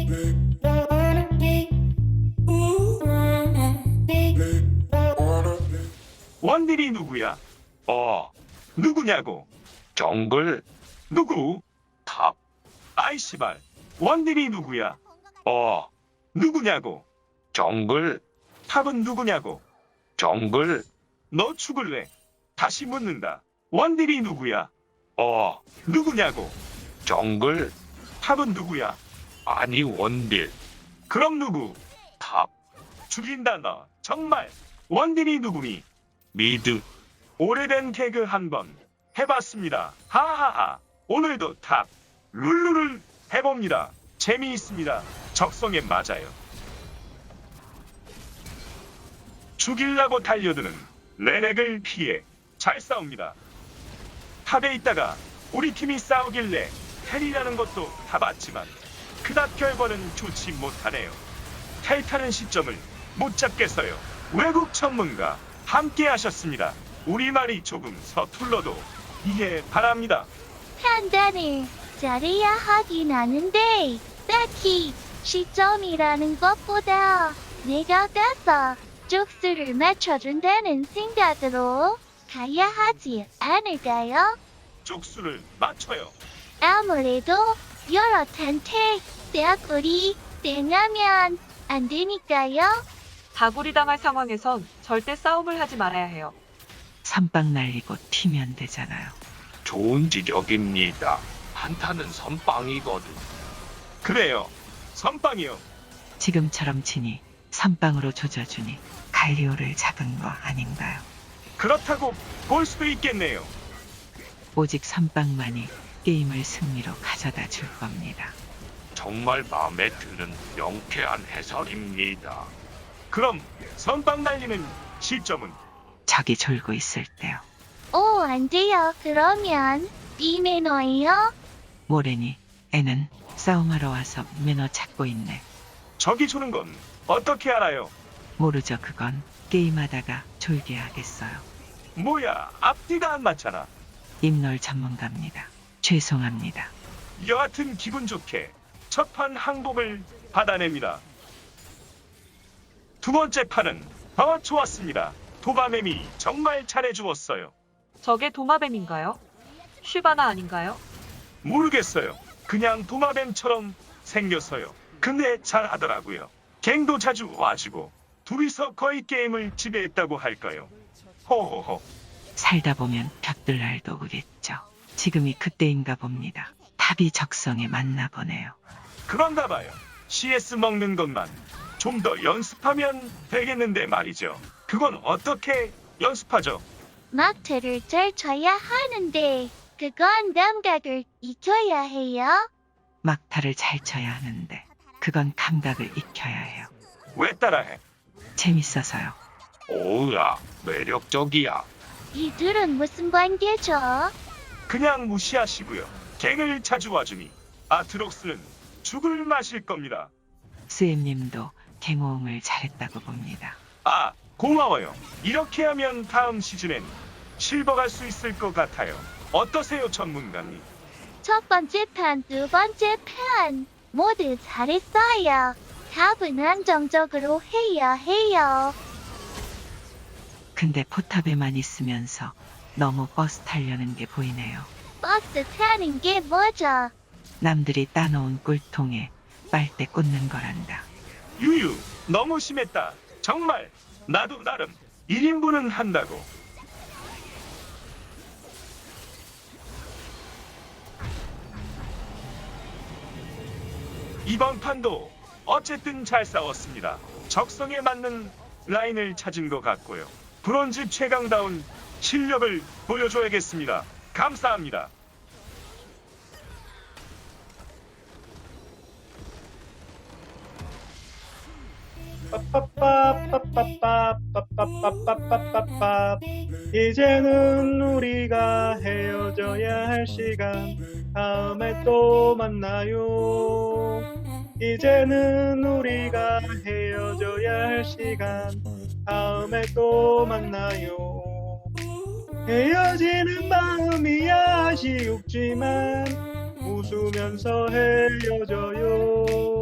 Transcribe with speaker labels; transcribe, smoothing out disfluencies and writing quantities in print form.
Speaker 1: 원딜이 누구야? 누구냐고?
Speaker 2: 정글,
Speaker 1: 누구?
Speaker 2: 탑,
Speaker 1: 아이 씨발. 원딜이 누구야? 누구냐고?
Speaker 2: 정글,
Speaker 1: 탑은 누구냐고?
Speaker 2: 정글,
Speaker 1: 너 죽을래? 다시 묻는다. 원딜이 누구야? 누구냐고?
Speaker 2: 정글,
Speaker 1: 탑은 누구야?
Speaker 2: 아니 원딜,
Speaker 1: 그럼 누구?
Speaker 2: 탑,
Speaker 1: 죽인다 너. 정말. 원딜이 누구니?
Speaker 2: 미드,
Speaker 1: 오래된 개그 한번 해봤습니다. 하하하. 오늘도 탑 룰루를 해봅니다. 재미있습니다. 적성에 맞아요. 죽이려고 달려드는 레넥을 피해 잘 싸웁니다. 탑에 있다가 우리 팀이 싸우길래 텔이라는 것도 타봤지만 그닥 결과는 좋지 못하네요. 텔 타는 시점을 못 잡겠어요. 외국 전문가 함께 하셨습니다. 우리말이 조금 서툴러도 이해 바랍니다.
Speaker 3: 판단을 잘해야 하긴 하는데 딱히 시점이라는 것보다 내가 가서 쪽수를 맞춰준다는 생각으로 가야 하지 않을까요?
Speaker 1: 쪽수를 맞춰요.
Speaker 3: 아무래도 여러 탄테 떼구리 떼냐면 안 되니까요.
Speaker 4: 다구리 당할 상황에선 절대 싸움을 하지 말아야 해요.
Speaker 5: 선빵 날리고 튀면 되잖아요.
Speaker 2: 좋은 지적입니다. 한타는 선빵이거든.
Speaker 1: 그래요. 선빵이요.
Speaker 5: 지금처럼 치니 선빵으로 조져주니 갈리오를 잡은 거 아닌가요?
Speaker 1: 그렇다고 볼 수도 있겠네요.
Speaker 5: 오직 선빵만이 게임을 승리로 가져다 줄 겁니다.
Speaker 2: 정말 마음에 드는 명쾌한 해설입니다.
Speaker 1: 그럼 선빵 날리는 시점은?
Speaker 5: 적이 졸고 있을 때요.
Speaker 3: 오, 안 돼요. 그러면 이 매너예요?
Speaker 5: 모래니 애는 싸움하러 와서 매너 찾고 있네.
Speaker 1: 적이 조는 건 어떻게 알아요?
Speaker 5: 모르죠 그건. 게임하다가 졸게 하겠어요.
Speaker 1: 뭐야, 앞뒤가 안 맞잖아.
Speaker 5: 입놀 전문가입니다. 죄송합니다.
Speaker 1: 여하튼 기분 좋게 첫 판 항복을 받아냅니다. 두 번째 판은 더 좋았습니다. 도바mem이 정말 잘해주었어요.
Speaker 4: 저게 도마뱀인가요? 슈바나 아닌가요?
Speaker 1: 모르겠어요. 그냥 도마뱀처럼 생겼어요. 근데 잘하더라고요. 갱도 자주 와주고 둘이서 거의 게임을 지배했다고 할까요? 호호호.
Speaker 5: 살다 보면 벽들 날도 오겠죠. 지금이 그때인가 봅니다. 탑이 적성에 맞나 보네요.
Speaker 1: 그런가 봐요. CS 먹는 것만 좀 더 연습하면 되겠는데 말이죠. 그건 어떻게 연습하죠?
Speaker 3: 막타를 잘 쳐야 하는데 그건 감각을 익혀야 해요.
Speaker 5: 막타를 잘 쳐야 하는데 그건 감각을 익혀야 해요.
Speaker 1: 왜 따라해?
Speaker 5: 재밌어서요.
Speaker 2: 오우야, 매력적이야.
Speaker 3: 이들은 무슨 관계죠?
Speaker 1: 그냥 무시하시고요. 갱을 자주 와주니 아트록스는 죽을 마실 겁니다.
Speaker 5: 스엠님도 갱호응을 잘했다고 봅니다.
Speaker 1: 아, 고마워요. 이렇게 하면 다음 시즌엔 실버 갈 수 있을 것 같아요. 어떠세요, 전문가님?
Speaker 3: 첫 번째 판, 두 번째 판 모두 잘했어요. 답은 안정적으로 해야 해요.
Speaker 5: 근데 포탑에만 있으면서 너무 버스 타려는 게 보이네요.
Speaker 3: 버스 타는 게 뭐죠?
Speaker 5: 남들이 따놓은 꿀통에 빨대 꽂는 거란다.
Speaker 1: 유유, 너무 심했다. 정말 나도 나름 1인분은 한다고. 이번 판도 어쨌든 잘 싸웠습니다. 적성에 맞는 라인을 찾은 것 같고요. 브론즈 최강다운 실력을 보여줘야겠습니다. 감사합니다.
Speaker 6: 빠빠빠빠빠빠빠빠빠빠빠 이제는 우리가 헤어져야 할 시간 다음에 또 만나요. 이제는 우리가 헤어져야 할 시간 다음에 또 만나요. 헤어지는 마음이 아쉬웠지만 웃으면서 헤어져요.